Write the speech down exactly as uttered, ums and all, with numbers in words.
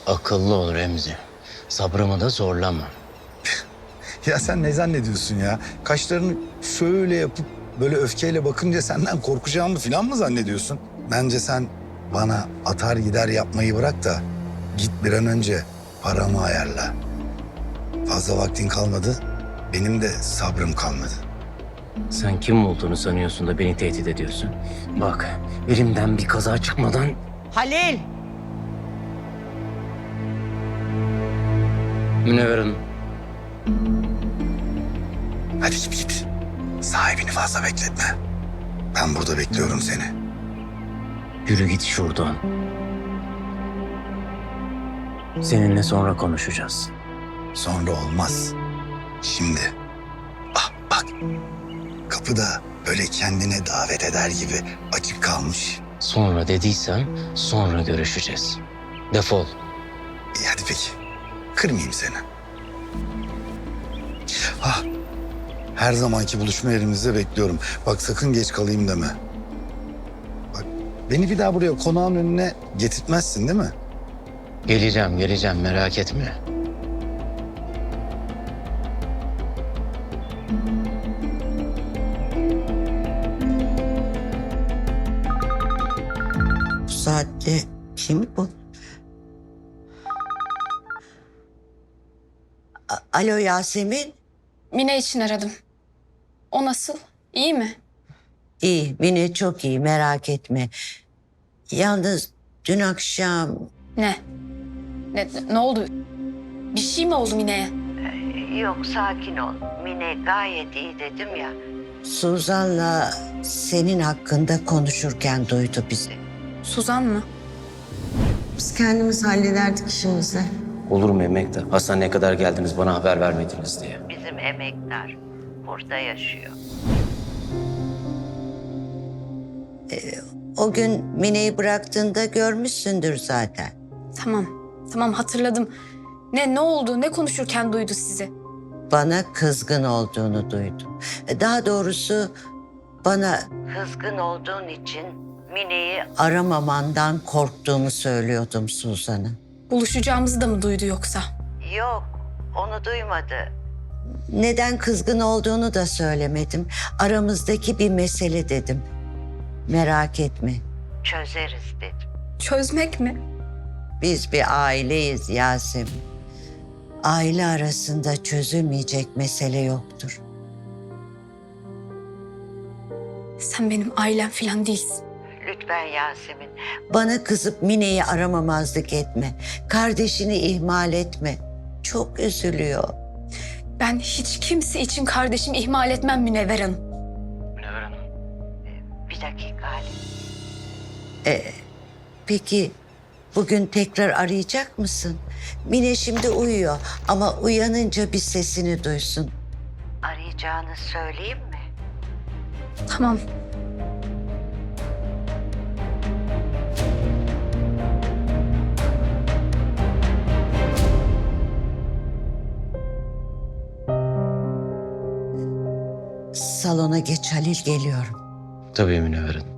Akıllı ol Remzi. Sabrımı da zorlama. Ya sen ne zannediyorsun ya? Kaşlarını şöyle yapıp böyle öfkeyle bakınca senden korkacağımı falan mı zannediyorsun? Bence sen bana atar gider yapmayı bırak da git bir an önce paramı ayarla. Fazla vaktin kalmadı, benim de sabrım kalmadı. Sen kim olduğunu sanıyorsun da beni tehdit ediyorsun? Bak, elimden bir kaza çıkmadan... Halil! Münevver Hanım, Hadi git git. Sahibini fazla bekletme. Ben burada bekliyorum seni. yürü git şuradan. Seninle sonra konuşacağız. Sonra olmaz. Şimdi. Ah bak. Kapıda böyle kendine davet eder gibi açık kalmış. Sonra dediysem sonra görüşeceğiz. Defol. İyi hadi peki. Kırmayayım seni. Ah. Her zamanki buluşma yerimizde bekliyorum. Bak sakın geç kalayım deme. Bak beni bir daha buraya konağın önüne getirtmezsin değil mi? Geleceğim, geleceğim merak etme. Bu saatte kim bu? A- Alo Yasemin. Mine için aradım. O nasıl? İyi mi? İyi, Mine çok iyi, merak etme. Yalnız dün akşam... Ne? Ne, ne oldu? Bir şey mi oldu Mine'ye? Yok, sakin ol. Mine gayet iyi dedim ya. Suzan'la senin hakkında konuşurken duydu bizi. Suzan mı? Biz kendimiz hallederdik işimizi. Olur mu emektar? Hastaneye kadar geldiniz bana haber vermediniz diye. Bizim emektar burada yaşıyor. Ee, o gün Mine'yi bıraktığında görmüşsündür zaten. Tamam. Tamam hatırladım. Ne ne oldu? Ne konuşurken duydu sizi? Bana kızgın olduğunu duydum. Daha doğrusu bana kızgın olduğun için Mine'yi aramamandan korktuğumu söylüyordum Suzan'a. Buluşacağımızı da mı duydu yoksa? Yok, onu duymadı. Neden kızgın olduğunu da söylemedim. Aramızdaki bir mesele dedim. Merak etme, çözeriz dedim. Çözmek mi? Biz bir aileyiz Yasemin. Aile arasında çözülmeyecek mesele yoktur. Sen benim ailem falan değilsin. Lütfen Yasemin. Bana kızıp Mine'yi aramamazlık etme. Kardeşini ihmal etme. Çok üzülüyor. Ben hiç kimse için kardeşimi ihmal etmem Münevver Hanım. Münevver Hanım. Bir dakika Ali. Ee, peki bugün tekrar arayacak mısın? Mine şimdi uyuyor ama uyanınca bir sesini duysun. Arayacağını söyleyeyim mi? Tamam. Salona geç Halil, geliyorum. Tabii Münevver Hanım.